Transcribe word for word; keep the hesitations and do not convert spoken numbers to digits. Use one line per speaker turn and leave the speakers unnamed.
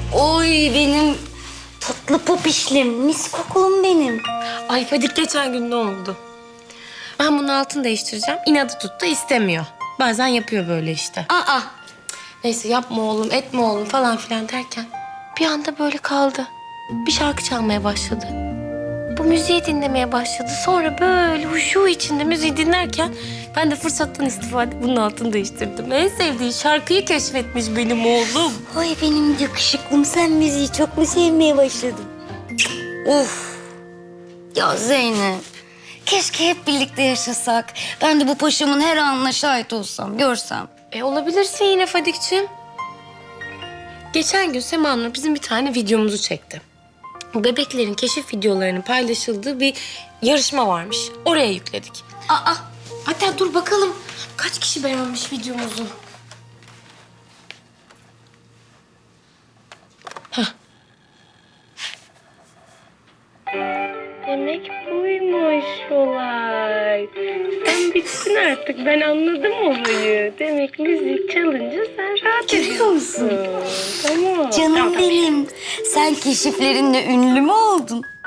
Oy benim tatlı popişlim, mis kokulum benim.
Ay Fadik geçen gün ne oldu? Ben bunun altını değiştireceğim. İnadı tuttu istemiyor. Bazen yapıyor böyle işte.
Aa,
Neyse yapma oğlum, etme oğlum falan filan derken bir anda böyle kaldı. Bir şarkı çalmaya başladı. Bu müziği dinlemeye başladı. Sonra böyle huşu içinde müziği dinlerken ben de fırsattan istifade bunun altını değiştirdim. En sevdiği şarkıyı keşfetmiş benim oğlum.
oy benim yakışıklım, sen müziği çok mu sevmeye başladın? Of. Ya Zeynep, keşke hep birlikte yaşasak. Ben de bu paşamın her anına şahit olsam, görsem.
E olabilirsin yine Fadik'ciğim. Geçen gün Sema Nur bizim bir tane videomuzu çekti. Bebeklerin keşif videolarının paylaşıldığı bir yarışma varmış. Oraya yükledik.
Aa,
Hatta dur bakalım kaç kişi beğenmiş videomuzu. Hah. Demek buymuş olay. Sen bittin artık. Ben anladım olayı. Demek müzik çalınca sen rahat
görüyor musun?
Tamam.
Canım
Tamam, tamam.
benim. Sen keşiflerinle ünlü mü oldun?